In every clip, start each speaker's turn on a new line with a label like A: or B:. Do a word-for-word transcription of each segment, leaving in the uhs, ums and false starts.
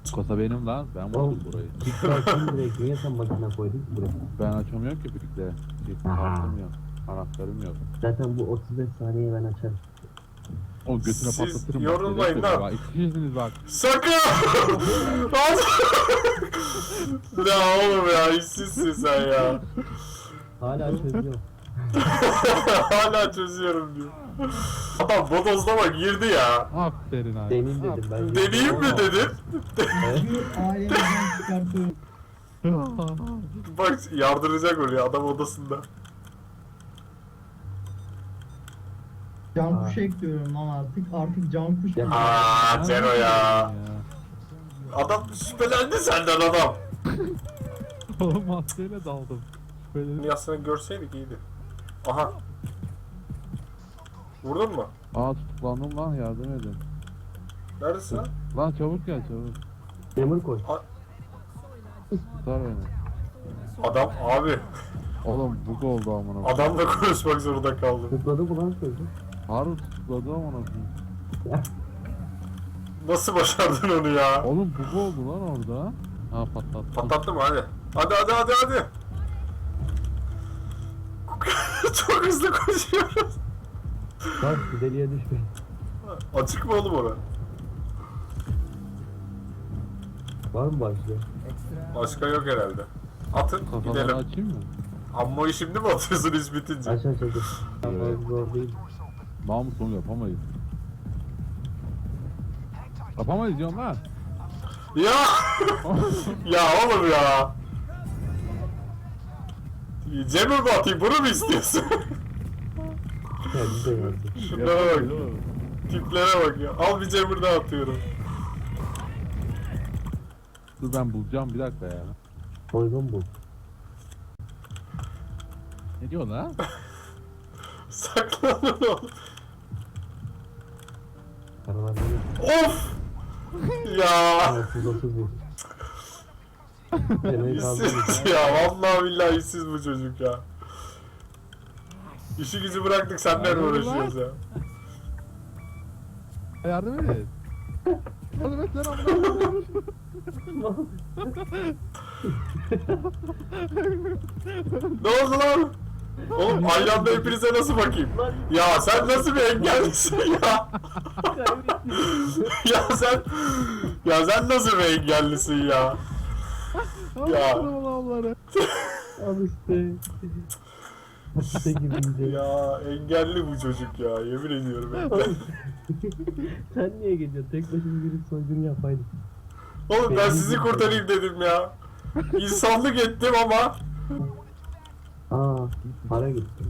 A: Kasa benim lan. Ben vurdum
B: Oğlum,
A: burayı.
B: Kickback'ın direkt niye sen makine koydun ki buraya?
A: Ben açamıyorum ki birlikte. Bir
B: Aha.
A: kartım yok. Anahtarım yok.
B: Zaten bu otuz beş saniye ben açarım.
A: O götüne
C: Siz
A: patlatırım.
C: yorulmayın
A: bak.
C: lan.
A: Bak, İki kişisiniz bak.
C: Sakın! Ya oğlum ya işsizsin sen ya.
B: Hala çözüyorum.
C: Hala çözüyorum diyor. Adam bodozlama girdi ya.
A: Aferin abi.
B: Deneyim dedim ben.
C: Deneyeyim mi dedin?
B: Evet.
D: Ailemden çıkartıyorum.
C: Bak yardıracak oraya adam odasında.
D: Can
B: Aa.
D: kuş ekliyorum lan artık. Artık can kuş.
B: Ya.
C: Aa Cero ya. Adam şüphelendi senden adam.
A: Oğlum maskeyle daldım. Böyle.
C: Yasını görseydik iyiydi. Aha. Vurdun mu?
A: Aa tutuklandım lan, yardım edin.
C: Neredesin lan?
A: Lan çabuk gel çabuk.
B: Demir koy.
A: Tutar beni.
C: Adam abi.
A: Oğlum bug oldu amına.
C: Adamla konuşmak zorunda kaldım.
B: Tıkladı mı lan sözü?
A: Harun tutukladı amına.
C: Nasıl başardın onu ya?
A: Oğlum bug oldu lan orada. Ha patlattı.
C: Patlattı mı hadi. Hadi hadi hadi hadi. Çok hızlı koşuyoruz.
B: Bak bir deliğe düşme.
C: Açık mı oğlum orası?
B: Var mı başlıyor?
C: Başka yok herhalde. Atın
A: Kafaları
C: gidelim.
A: açayım mı?
C: Ammoyu şimdi mi atıyorsun iş bitince?
B: Aç aç aç. Tamam
A: Evet.
B: zor değil.
A: Mahmut onu yapamayız. Yapamayız diyorum lan.
C: Ya! Ya oğlum ya! Cemil mi atayım bunu mu istiyorsun?
B: Kendi de yazdı.
C: Şunlara bak. Tiplere bak ya. Al bir Cemil daha atıyorum.
A: Dur ben bulacağım bir dakika ya.
B: Soygun bu.
A: Ne diyor lan?
C: Saklanın oğlum.
B: Karavanları.
C: Of! Ya!
B: otuz otuz bir. Demeyi kaldırmış.
C: İşsiz ya. Vallahi billahi işsiz bu çocuk ya. İşi gücü bıraktık senden
A: Aynen
C: uğraşıyoruz ya.
A: Yardım et. Yardım et lan amına.
C: Ne oldu lan? Oğlum aynı anda hepinize nasıl bakayım? Ya sen nasıl bir engellisin ya? Ya sen ya sen nasıl bir engellisin ya? Ya.
A: Allah'ları.
B: Al işte. İşte gibi.
C: Ya engelli bu çocuk ya yemin ediyorum. engelli.
B: Sen niye geliyorsun? Tek başına girip soygunu yapaydın.
C: Oğlum ben sizi kurtarayım dedim ya. İnsanlık ettim ama.
B: Aa, para gitti.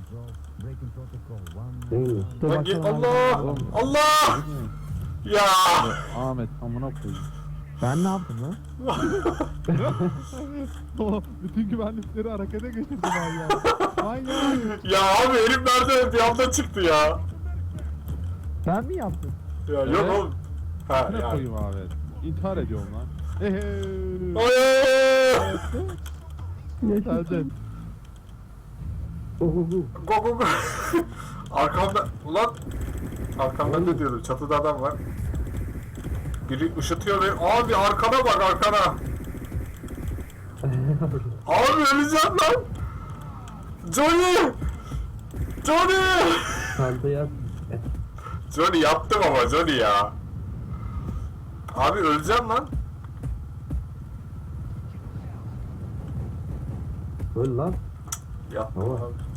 B: Değil mi?
C: Lan ge- Allah! Allah! Ya!
A: Ahmet amına koyayım.
E: Ben ne yaptım lan?
A: Bütün güvenlikleri harekete geçirdim ben ya. Manyak.
C: Ya abi herif nerede bir anda çıktı ya.
E: Ben mi yaptım?
C: Ya yok
A: Evet.
C: oğlum. Ha
A: Ne
C: ya.
A: koyayım Ahmet? İntihar ediyorum lan. Ehe.
C: Hayır!
A: Hadi.
B: Ohoho.
C: Go go go. Arkamda ulan arkamda ne diyordum? Çatıda adam var. Biri ışıtıyor beni. Abi arkana bak arkana. Abi öleceğim lan. Johnny! Johnny!
B: Çantaya at.
C: Johnny yaptım ama Johnny ya. Abi öleceğim lan.
B: Öl lan.
C: Yaptım
B: Tamam.
C: abi.